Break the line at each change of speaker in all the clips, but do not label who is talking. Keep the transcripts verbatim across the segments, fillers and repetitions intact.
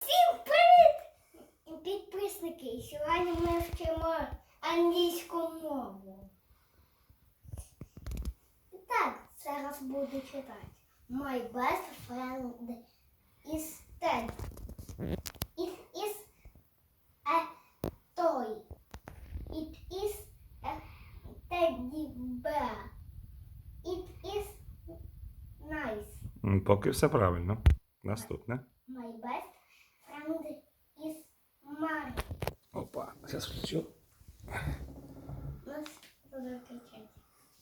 Усім привіт, підписники! Сьогодні ми вчимо англійську мову. І так, зараз буду читати. My best friend is Ted. It is a toy. It is a teddy bear. It is nice.
М, Поки все правильно. Наступне.
My best friend is Mary.
Опа, зараз включу.
Нас буду кричати.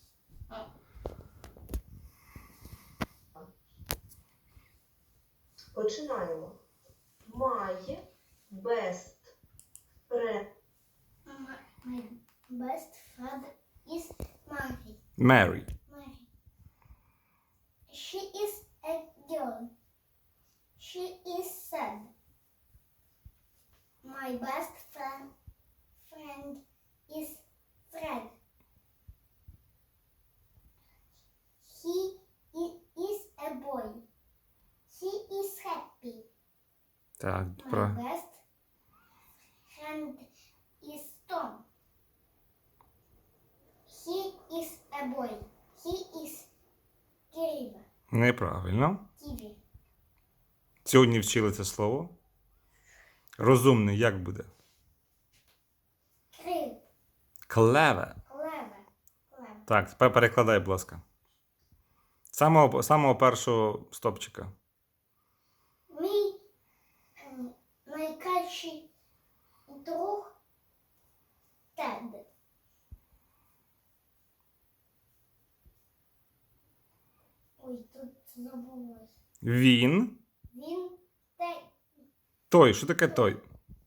Починаємо. My best friend.
My best friend is Mary.
Mary.
Mary. She is a girl. She is sad. My best friend friend is Fred. He i- is a boy. He is happy.
Так,
My
про...
best friend is Tom. He is a boy. He is Kiriva.
Неправильно.
Kiwi.
Сьогодні вчили це слово. Розумний як буде?
Крив.
Clever.
Clever. Clever.
Так, тепер перекладай, будь ласка. Самого, самого першого стопчика.
Мій ем, найкращий друг Тед. Ой, тут забулось.
Він.
Він те,
Той. Що таке той?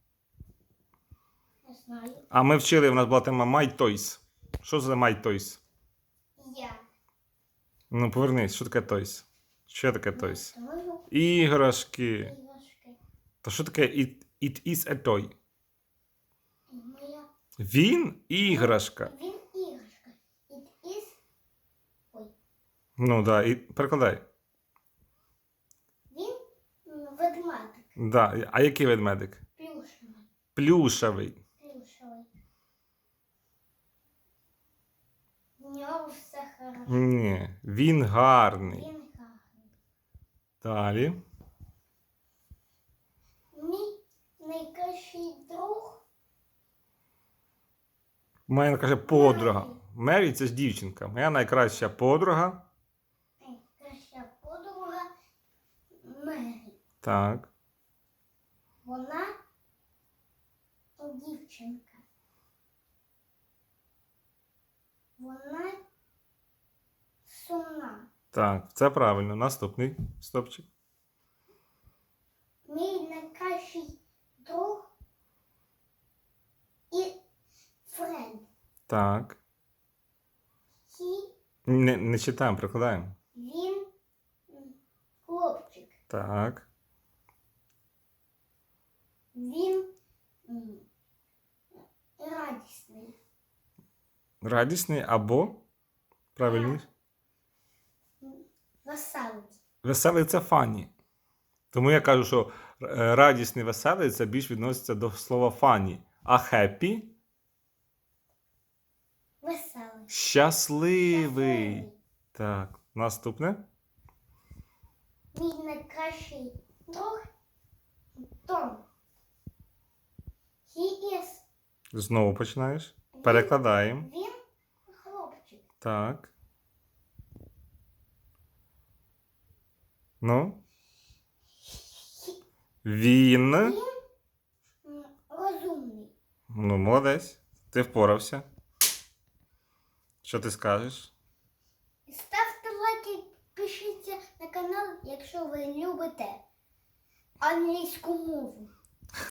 не знаю.
А ми вчили, в нас була тема My Toys. Що за My Toys?
Я.
Ну, повернись, що таке Toys? Що таке Toys?
Знаю.
Іграшки.
Іграшки.
То що таке it, it is a toy?
Моя.
Він іграшка.
Він іграшка. It is. Ой.
Ну, да, і перекладай.
Він м, ведмедик.
Да. А який ведмедик?
Плюшевий.
Плюшевий.
Плюшевий. В нього все хорошо.
Ні, він гарний.
Він гарний.
Далі.
Мій найкращий друг.
Моя каже подруга. Мері це ж дівчинка. Моя найкраща подруга.
Найкраща подруга Мері.
Так.
Вона дівчинка. Вона сумна.
Так, це правильно. Наступний стопчик.
Мій найкращий друг і Фред.
Так.
He,
Не, не читаємо, прикладаємо.
він м, хлопчик.
Так.
Він м, радісний.
Радісний або. Правильніше.
Веселий.
Веселий це фані. Тому я кажу, що е, радісний, веселий це більш відноситься до слова фані. А хеппі
Веселий.
щасливий.
Веселий.
Так, наступне.
Мій найкращий друг Том. He is.
Знову починаєш. Перекладаємо.
Він хлопчик.
Так. Ну. Він.
Він м, розумний.
Ну, молодець. Ти впорався. Що ти скажеш?
Ставте лайки, підпишіться на канал, якщо ви любите англійську мову.